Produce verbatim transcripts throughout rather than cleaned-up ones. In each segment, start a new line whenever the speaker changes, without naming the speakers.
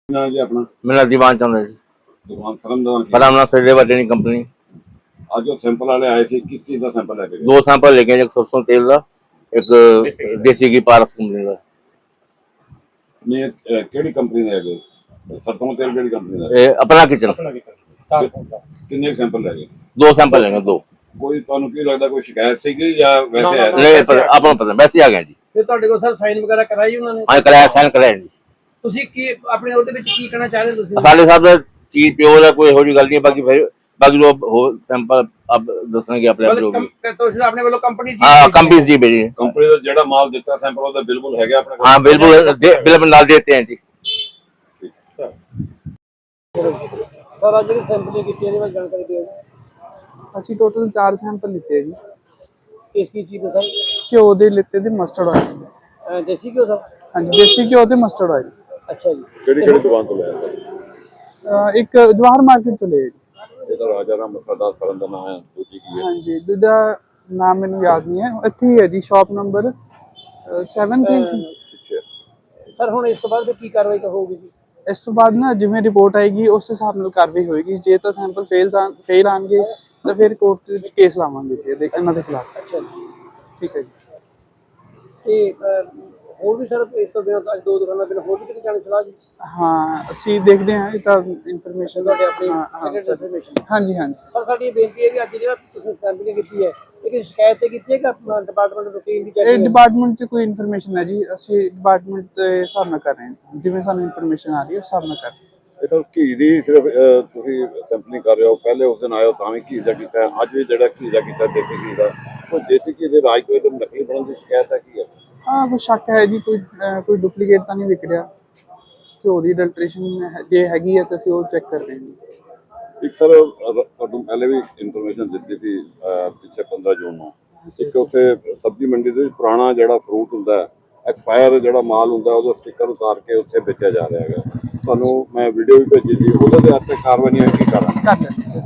ना जी अपना
मेरा दीवान चंद है जी।
दुकान फरमदान की
फरामना सचदेवा ट्रेनिंग कंपनी।
आज जो सैंपल वाले आए थे किस चीज का सैंपल लेके गए?
दो सैंपल लेके गए, एक सरसों तेल का, एक देसी घी पारस कंपनी का।
नहीं अ, केड़ी कंपनी दे गए? सरसों तेल केड़ी कंपनी दा?
ए, अपना किचन।
किन्ने सैंपल ले गए?
दो सैंपल लेंगे, दो।
कोई ਤੁਹਾਨੂੰ ਕੀ ਲੱਗਦਾ ਕੋਈ ਸ਼ਿਕਾਇਤ ਸੀਗੀ ਜਾਂ ਵੈਸੇ ਹੈ?
नहीं पता, आपको पता वैसे ही आ गए जी।
ਫਿਰ ਤੁਹਾਡੇ ਕੋਲ ਸਰ ਸਾਈਨ ਵਗੈਰਾ ਕਰਾਈ ਉਹਨਾਂ ਨੇ?
हाँ कराया, साइन कराया जी।
ਤੁਸੀਂ ਕੀ ਆਪਣੇ ਉਹਦੇ ਵਿੱਚ ਕੀ ਕਹਿਣਾ ਚਾਹ ਰਹੇ ਹੋ ਤੁਸੀਂ?
साढ़े साहब चीज प्योर है, कोई हो जी गल नहीं है। बाकी फिर बाकी जो हो सैंपल आप दसणगे अपने आप जो भी।
ਮਤਲਬ ਤੁਸੀਂ ਆਪਣੇ ਵੱਲੋਂ ਕੰਪਨੀ
हाँ कंपनी जी भेजी।
ਕੰਪਨੀ ਦਾ ਜਿਹੜਾ ਮਾਲ ਦਿੱਤਾ ਸੈਂਪਲ ਉਹਦਾ ਬਿਲਕੁਲ ਹੈਗਾ ਆਪਣੇ ਕੋਲ?
हाँ बिल्कुल बिल्कुल डाल देते हैं जी।
ਸਰ ਅੱਜ ਜਿਹੜੀ ਸੈਂਪਲਿੰਗ ਕੀਤੀ ਇਹਦੇ ਬਾਰੇ ਜਾਣਕਾਰੀ ਦਿਓ।
ਅਸੀਂ ਟੋਟਲ ਚਾਰ ਸੈਂਪਲ ਲਿੱਤੇ ਜੀ।
ਕਿਸ ਕੀ ਚੀਜ਼ ਦਾ ਸਰ?
ਘਿਓ ਦੇ ਲਿੱਤੇ ਤੇ ਮਸਟਰਡ ਆਇਲ।
ਅਹ ਦੇਸੀ ਘਿਓ ਸਰ?
ਹਾਂਜੀ ਦੇਸੀ ਘਿਓ ਤੇ ਮਸਟਰਡ ਆਇਲ।
ਅੱਛਾ ਜੀ।
ਕਿਹੜੀ ਕਿਹੜੀ ਦੁਕਾਨ ਤੋਂ ਲਿਆ ਸਰ?
ਅਹ ਇੱਕ ਜਵਾਹਰ ਮਾਰਕੀਟ ਤੋਂ ਲਿਆ ਜੀ।
ਇਹਦਾ ਰਾਜਾ ਰਾਮ ਮਸਾਲਾ ਫਰਨ ਦਾ ਨਾਮ ਹੈ, ਦੂਜੀ ਕੀ ਹੈ?
ਹਾਂਜੀ ਦੂਜਾ ਨਾਮ ਮੈਨੂੰ ਯਾਦ ਨਹੀਂ ਹੈ, ਇੱਥੇ ਹੀ ਹੈ ਜੀ ਸ਼ਾਪ ਨੰਬਰ ਸੈਵਨ ਥ੍ਰੀ ਸੀ।
ਸਰ ਹੁਣ ਇਸ ਤੋਂ ਬਾਅਦ ਫਿਰ ਕੀ ਕਾਰਵਾਈ ਹੋਊਗੀ ਜੀ?
ਇਸ ਤੋਂ ਬਾਅਦ ਨਾ ਜਿਵੇਂ ਰਿਪੋਰਟ ਆਏਗੀ ਉਸ ਹਿਸਾਬ ਨਾਲ ਕਾਰਵਾਈ ਹੋਏਗੀ। ਜੇ ਤਾਂ ਸੈਂਪਲ ਫੇਲ ਫੇਲ ਆਣਗੇ ਤਾਂ ਫਿਰ ਕੋਰਟ ਵਿੱਚ ਕੇਸ ਲਾਵਾਂਗੇ ਜੀ ਇਹਦੇ ਇਹਨਾਂ ਦੇ ਖਿਲਾਫ।
ਅੱਛਾ ਜੀ
ਠੀਕ ਹੈ ਜੀ।
ਤੇ ਅਹ, ਹੋਰ ਵੀ ਸਰ ਇਸ ਤੋਂ ਬਿਨਾਂ ਅੱਜ ਦੋ ਦੁਕਾਨਾਂ ਬਿਨਾਂ ਹੋਰ ਵੀ ਕਿਤੇ ਜਾਣ ਦੀ ਸਲਾਹ ਜੀ?
ਹਾਂ ਅਸੀਂ ਦੇਖਦੇ ਹਾਂ ਇਹ ਤਾਂ ਇਨਫੋਰਮੇਸ਼ਨ
ਤੁਹਾਡੇ ਆਪਣੀ
ਹਾਂ ਹਾਂ
ਸੈਕੰਡ ਇਨਫੋਰਮੇਸ਼ਨ।
ਹਾਂਜੀ ਹਾਂਜੀ
ਸਰ ਸਾਡੀ ਇਹ ਬੇਨਤੀ ਹੈ ਵੀ ਅੱਜ ਜਿਹੜਾ ਤੁਸੀਂ ਸੈਂਪਲਿੰਗ ਕੀਤੀ ਹੈ ਇਹ ਕਿਸੇ ਸ਼ਿਕਾਇਤ ਤੇ ਕੀਤੀ ਹੈ ਕਿ ਆਪਣਾ ਡਿਪਾਰਟਮੈਂਟ ਰੂਟੀਨ ਦੀ
ਇਹ
ਚੈਕਿੰਗ?
ਡਿਪਾਰਟਮੈਂਟ 'ਚ ਕੋਈ ਇਨਫੋਰਮੇਸ਼ਨ ਹੈ ਜੀ, ਅਸੀਂ ਡਿਪਾਰਟਮੈਂਟ ਦੇ ਹਿਸਾਬ ਨਾਲ ਕਰ ਰਹੇ ਹਾਂ, ਜਿਵੇਂ ਸਾਨੂੰ ਇਨਫੋਰਮੇਸ਼ਨ ਆ ਰਹੀ ਹੈ ਉਸ ਹਿਸਾਬ ਨਾਲ ਕਰ ਰਹੇ ਹਾਂ।
ਇਹ ਤਾਂ ਘੀ ਦੀ ਸਿਰਫ ਅ, ਤੁਸੀਂ ਸੈਂਪਲਿੰਗ ਕਰ ਰਹੇ ਹੋ, ਪਹਿਲੇ ਉਸ ਦਿਨ ਆਇਓ ਤਾਂ ਵੀ ਘੀ ਦਾ ਕੀਤਾ, ਅੱਜ ਵੀ ਜਿਹੜਾ ਘੀ ਦਾ ਕੀਤਾ ਦੇਸੀ ਘੀ ਦਾ, ਉਹ ਦੇਸੀ ਘੀ ਦੇ ਰਾਜ ਕੋਈ ਨਕਲੀ ਬਣਨ ਦੀ ਸ਼ਿਕਾਇਤ ਹੈ ਕੀ ਹੈ?
ਹਾਂ ਕੋਈ ਸ਼ੱਕ ਹੈ ਜੀ, ਕੋਈ ਅਹ, ਕੋਈ ਡੁਪਲੀਕੇਟ ਤਾਂ ਨਹੀਂ ਵਿਕ ਰਿਹਾ। ਘਿਓ ਦੀ ਅਡਲਟ੍ਰੇਸ਼ਨ ਜੇ ਹੈਗੀ ਹੈ ਤਾਂ ਅਸੀਂ ਉਹ ਚੈੱਕ ਕਰ ਰਹੇ ਹਾਂ ਜੀ।
ਇੱਕ ਸਰ ਤੁਹਾਨੂੰ ਪਹਿਲੇ ਵੀ ਇਨਫੋਰਮੇਸ਼ਨ ਦਿੱਤੀ ਸੀ ਅ, ਪਿੱਛੇ ਪੰਦਰਾਂ ਜੂਨ ਨੂੰ, ਇੱਕ ਉੱਥੇ ਸਬਜ਼ੀ ਮੰਡੀ ਦੇ ਵਿੱਚ ਪੁਰਾਣਾ ਜਿਹੜਾ ਫਰੂਟ ਹੁੰਦਾ ਹੈ, ਐਕਸਪਾਇਰ ਜਿਹੜਾ ਮਾਲ ਹੁੰਦਾ ਉਹਦਾ ਸਟicker ਉਤਾਰ ਕੇ ਉੱਥੇ ਵੇਚਿਆ ਜਾ ਰਿਹਾ ਹੈਗਾ। ਤੁਹਾਨੂੰ ਮੈਂ ਵੀਡੀਓ ਵੀ ਭੇਜੀ ਸੀ, ਉਹਦੇ ਤੇ ਅੱਜ ਤੱਕ ਕਾਰਵਾਈ ਨਹੀਂ ਹੋਈ, ਕੀ ਕਰਾਂ?
ਕਰ ਲੈਂਦੇ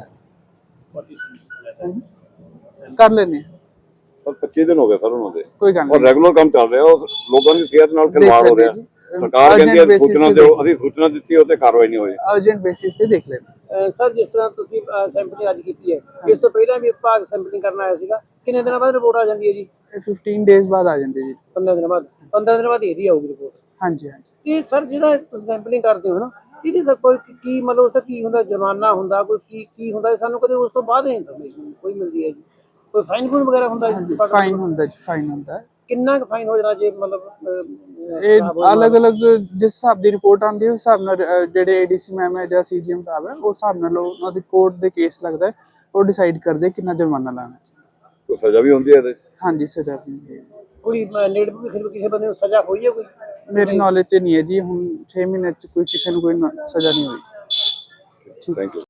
ਕਰ ਲੈਂਦੇ ਹਾਂ।
ਸਰ ਪੱਚੀ ਦਿਨ ਹੋ ਗਏ ਸਰ ਉਹਨਾਂ ਦੇ,
ਕੋਈ ਗੱਲ
ਔਰ
ਨਹੀਂ
ਰੈਗੂਲਰ ਕੰਮ ਚੱਲ ਰਿਹਾ, ਉਹ ਲੋਕਾਂ ਦੀ ਸਿਹਤ ਨਾਲ ਖਿਲਵਾੜ ਹੋ ਰਿਹਾ। ਸਰਕਾਰ ਕਹਿੰਦੀ ਹੈ ਸੂਚਨਾ ਦਿਓ, ਅਸੀਂ ਸੂਚਨਾ ਦਿੱਤੀ ਉਹ ਤੇ ਕਾਰਵਾਈ ਨਹੀਂ ਹੋਈ।
ਅਰਜੈਂਟ ਬੇਸਿਸ ਤੇ ਦੇਖ ਲੈਂਦੇ।
ਸਰ ਜਿਸ ਤਰ੍ਹਾਂ ਤੁਸੀਂ ਸੈਂਪਲਿੰਗ ਅੱਜ ਕੀਤੀ ਹੈ ਇਸ ਤੋਂ ਪਹਿਲਾਂ ਵੀ ਵਿਭਾਗ ਸੈਂਪਲਿੰਗ ਕਰਨ ਆਇਆ ਸੀਗਾ, ਕਿੰਨੇ ਦਿਨਾਂ ਬਾਅਦ ਰਿਪੋਰਟ ਆ ਜਾਂਦੀ ਹੈ ਜੀ?
ਇਹ ਫਿਫਟੀਨ ਡੇਜ਼ ਬਾਅਦ ਆ ਜਾਂਦੇ ਜੀ।
ਪੰਦਰਾਂ ਦਿਨਾਂ ਬਾਅਦ? ਪੰਦਰਾਂ ਦਿਨਾਂ ਬਾਅਦ ਇਹਦੀ ਆਊਗੀ ਰਿਪੋਰਟ?
ਹਾਂਜੀ ਹਾਂਜੀ।
ਤੇ ਸਰ ਜਿਹੜਾ ਤੁਸੀਂ ਸੈਂਪਲਿੰਗ ਕਰਦੇ ਹੋ ਨਾ ਇਹਦੀ ਸਰ ਕੋਈ ਕੀ ਮਤਲਬ ਉਸਦਾ ਕੀ ਹੁੰਦਾ, ਜੁਰਮਾਨਾ ਹੁੰਦਾ, ਕੋਈ ਕੀ ਕੀ ਹੁੰਦਾ? ਸਾਨੂੰ ਕਦੇ ਉਸ ਤੋਂ ਬਾਅਦ ਇਨਫੋਰਮੇਸ਼ਨ ਕੋਈ ਮਿਲਦੀ ਹੈ ਜੀ? ਕੋਈ ਫਾਈਨ ਫੂਨ ਵਗੈਰਾ ਹੁੰਦਾ ਜੀ?
ਫਾਈਨ ਹੁੰਦਾ ਜੀ, ਫਾਈਨ ਹੁੰਦਾ।
ਕਿੰਨਾ ਕੁ ਫਾਈਨ ਹੋ ਜਾਣਾ ਜੇ ਮਤਲਬ
ਇਹ ਅਲੱਗ-ਅਲੱਗ ਜਿਸ ਹਿਸਾਬ ਦੀ ਰਿਪੋਰਟ ਆਉਂਦੀ ਹੈ ਉਸ ਹਿਸਾਬ ਨਾਲ ਅਹ, ਜਿਹੜੇ ਏਡੀਸੀ ਮੈਮ ਹੈ ਜਾਂ ਸੀਜੀਐਮ ਸਾਹਿਬ ਹੈ ਉਸ ਹਿਸਾਬ ਨਾਲ ਉਹਨਾਂ ਦੀ ਕੋਰਟ ਦੇ ਕੇਸ ਲੱਗਦਾ ਹੈ, ਉਹ ਡਿਸਾਈਡ ਕਰਦੇ ਕਿੰਨਾ ਜੁਰਮਾਨਾ ਲਾਣਾ।
ਕੋਈ ਸਜ਼ਾ ਵੀ ਹੁੰਦੀ ਹੈ ਇਹਦੇ?
ਹਾਂਜੀ ਸਜ਼ਾ ਵੀ।
ਕੋਈ ਨੇੜੇ ਵੀ ਕਿਸੇ ਬੰਦੇ ਨੂੰ ਸਜ਼ਾ ਹੋਈ ਹੈ ਕੋਈ?
ਮੇਰੀ ਨੌਲੇਜ 'ਚ ਨਹੀਂ ਹੈ ਜੀ, ਹੁਣ ਛੇ ਮਹੀਨੇ 'ਚ ਕੋਈ ਕਿਸੇ ਨੂੰ ਕੋਈ ਨ- ਸਜ਼ਾ ਨਹੀਂ ਹੋਈ।
Thank you.